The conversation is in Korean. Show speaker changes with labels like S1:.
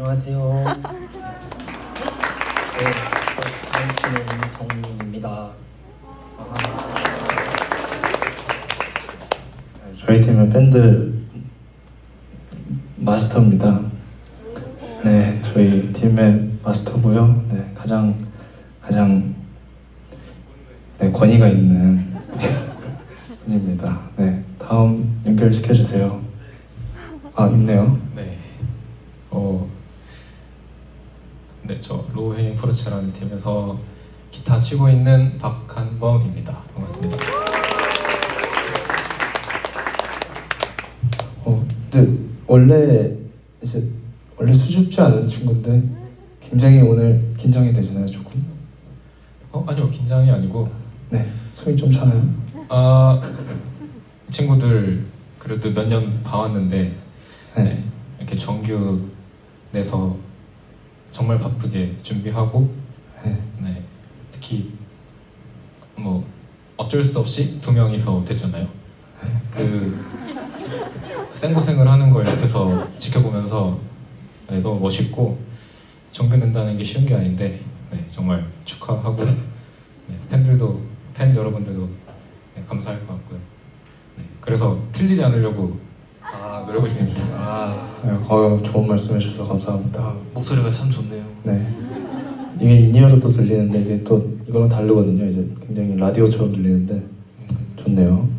S1: 안녕하세요. 저는 정민입니다.
S2: 저희 팀의 밴드 마스터입니다. 네, 저희 팀의 마스터고요. 네, 가장 네, 권위가 있는 분입니다. 네, 다음 연결시켜 주세요. 아, 있네요.
S3: 네. 네, 저 로헤인 프루츠라는 팀에서 기타 치고 있는 박한범입니다. 반갑습니다.
S2: 근데 원래 수줍지 않은 친구인데 굉장히 오늘 긴장이 되시나요, 조금?
S3: 아니요, 긴장이 아니고
S2: 네, 손이 좀 차나요?
S3: 친구들 그래도 몇 년 봐왔는데
S2: 네.
S3: 네, 이렇게 정규 내서 정말 바쁘게 준비하고 네, 특히 뭐 어쩔 수 없이 두 명이서 됐잖아요. 그 생고생을 하는 걸 옆에서 지켜보면서 네, 너무 멋있고 정규 낸다는 게 쉬운 게 아닌데 네, 정말 축하하고 네, 팬 여러분들도 네, 감사할 것 같고요. 네, 그래서 틀리지 않으려고 노력하고 있습니다.
S2: 좋은 말씀 해주셔서 감사합니다.
S1: 목소리가 참 좋네요.
S2: 네, 이게 인이어로 또 들리는데 이게 또 이거랑 다르거든요. 이제 굉장히 라디오처럼 들리는데 좋네요.